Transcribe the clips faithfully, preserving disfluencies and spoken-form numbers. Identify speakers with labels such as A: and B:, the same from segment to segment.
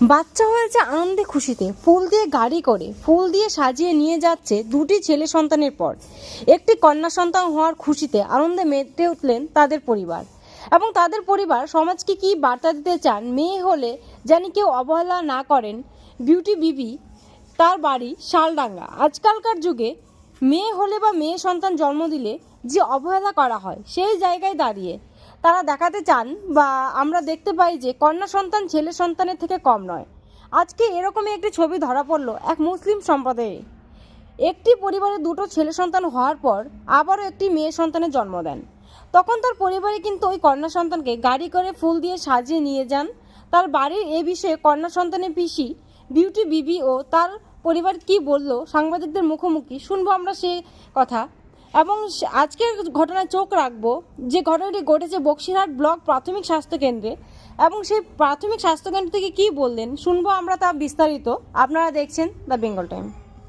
A: বাচ্চা হয়েছে আনন্দে খুশিতে, ফুল দিয়ে গাড়ি করে, ফুল দিয়ে সাজিয়ে নিয়ে যাচ্ছে দুটি ছেলে সন্তানের পর একটি কন্যা সন্তান হওয়ার খুশিতে আনন্দে মেতে উঠলেন তাদের পরিবার। এবং তাদের পরিবার সমাজকে কী বার্তা দিতে চান, মেয়ে হলে জানি কেউ অবহেলা না করেন। বিউটি বিবি, তার বাড়ি শালডাঙ্গা। আজকালকার যুগে মেয়ে হলে বা মেয়ে সন্তান জন্ম দিলে যে অবহেলা করা হয়, সেই জায়গায় দাঁড়িয়ে তারা দেখাতে চান বা আমরা দেখতে পাই যে কন্যা সন্তান ছেলে সন্তানের থেকে কম নয়। আজকে এরকমই একটি ছবি ধরা পড়ল এক মুসলিম সম্প্রদায়ে। একটি পরিবারে দুটো ছেলে সন্তান হওয়ার পর আবারও একটি মেয়ে সন্তানের জন্ম দেন। তখন তার পরিবারে কিন্তু ওই কন্যা সন্তানকে গাড়ি করে ফুল দিয়ে সাজিয়ে নিয়ে যান তার বাড়ির। এ বিষয়ে কন্যা সন্তানের পিসি বিউটি বিবি ও তার পরিবার কি বলল সাংবাদিকদের মুখোমুখি, শুনবো আমরা সে কথা। এবং আজকের ঘটনায় চোখ রাখবো যে ঘটনাটি ঘটেছে বক্সিরহাট ব্লক প্রাথমিক স্বাস্থ্যকেন্দ্রে। এবং সেই প্রাথমিক স্বাস্থ্যকেন্দ্র থেকে কী বললেন শুনবো আমরা তা বিস্তারিত। আপনারা দেখছেন দ্য বেঙ্গল টাইম।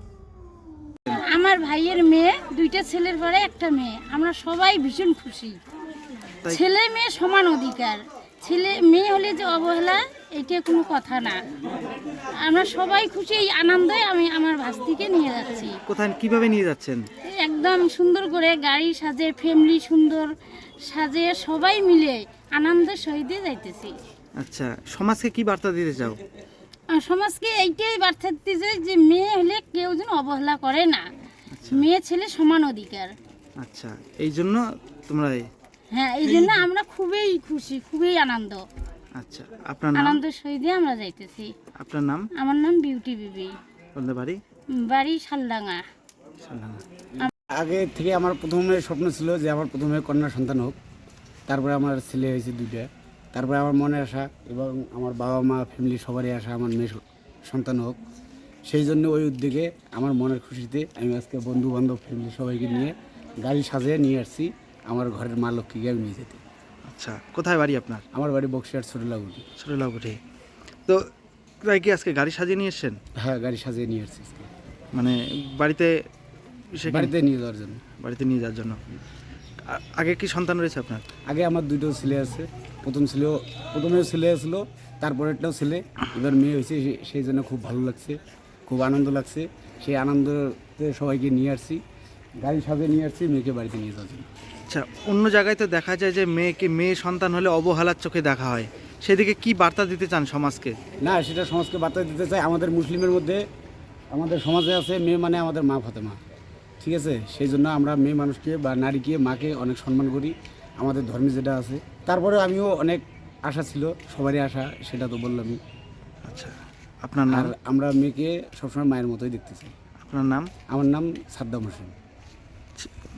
B: আমার ভাইয়ের মেয়ে, দুইটা ছেলের পরে একটা মেয়ে। আমরা সবাই ভীষণ খুশি। ছেলে মেয়ে সমান অধিকার। ছেলে মেয়ে হলে যে অবহেলা, এটা কোনো কথা না। আমরা সবাই খুশি, এই আনন্দে আমি আমার ভাস্তিকে নিয়ে যাচ্ছি।
C: কোথায় কিভাবে নিয়ে যাচ্ছেন?
B: একদম সুন্দর করে গাড়ি সাজে, ফ্যামিলি সুন্দর সাজে, সবাই মিলে আনন্দের সহিত যাইতেছি।
C: আচ্ছা, সমাজকে কি বার্তা দিতে চাও?
B: সমাজকে এইটাই বার্তা দিতে চাই যে মেয়ে হলে কেউ যেন অবহেলা করে না। মেয়ে ছেলে সমান অধিকার।
C: আচ্ছা, এই জন্য তোমরা?
B: হ্যাঁ, এই জন্য আমরা খুবই খুশি, খুবই আনন্দ।
C: আচ্ছা, আপনার নাম?
B: আনন্দের সহিত আমরা যাইতেছি।
C: আপনার নাম?
B: আমার নাম বিউটি বিবি।
C: কোন বাড়ি?
B: বাড়ি শালডাঙ্গা।
D: আগে থেকে আমার প্রথমে স্বপ্ন ছিল যে আমার প্রথমে কন্যা সন্তান হোক, তারপরে আমার ছেলে হয়েছে দুইটা, তারপরে আমার মনে আসা এবং আমার বাবা মা ফ্যামিলি সবারই আসা আমার মেয়ে সন্তান হোক। সেই জন্য ওই উদ্যোগে আমার মনের খুশিতে আমি আজকে বন্ধু বান্ধব ফ্যামিলি সবাইকে নিয়ে গাড়ি সাজিয়ে নিয়ে আসছি আমার ঘরের মা লক্ষ্মীকে আমি নিয়ে যেতে।
C: আচ্ছা, কোথায় বাড়ি আপনার?
D: আমার বাড়ি বক্সিরহাট ছোটলাগুটি।
C: ছোটলাগুটি। তো তাই কি আজকে গাড়ি সাজিয়ে নিয়ে এসছেন?
D: হ্যাঁ, গাড়ি সাজিয়ে নিয়ে আসছি
C: মানে বাড়িতে
D: বাড়িতে নিয়ে যাওয়ার জন্য।
C: বাড়িতে নিয়ে যাওয়ার জন্য। আগে কি সন্তান রয়েছে আপনার?
D: আগে আমার দুটো ছেলে আছে। প্রথম ছেলেও প্রথমেও ছেলে আসলো, তারপরেরটাও ছেলে, এবার মেয়ে হয়েছে। সেই জন্য খুব ভালো লাগছে, খুব আনন্দ লাগছে। সেই আনন্দতে সবাইকে নিয়ে আসছি, গাড়ি সাজিয়ে নিয়ে আসছি মেয়েকে বাড়িতে নিয়ে যাওয়ার জন্য।
C: আচ্ছা, অন্য জায়গায় তো দেখা যায় যে মেয়েকে মেয়ে সন্তান হলে অবহেলার চোখে দেখা হয়, সেদিকে কি বার্তা দিতে চান সমাজকে?
D: না, সেটা সমাজকে বার্তা দিতে চাই। আমাদের মুসলিমের মধ্যে আমাদের সমাজে আছে মেয়ে মানে আমাদের মা ফাতেমা, ঠিক আছে? সেই জন্য আমরা মেয়ে মানুষকে বা নারীকে, মাকে অনেক সম্মান করি, আমাদের ধর্মে যেটা আছে। তারপরে আমিও অনেক আশা ছিল, সবারই আশা, সেটা তো বললামই।
C: আচ্ছা, আপনার নাম?
D: আর আমরা মেয়েকে সবসময় মায়ের মতোই দেখতে চাই।
C: আপনার নাম?
D: আমার নাম সাদ্দাম হোসেন।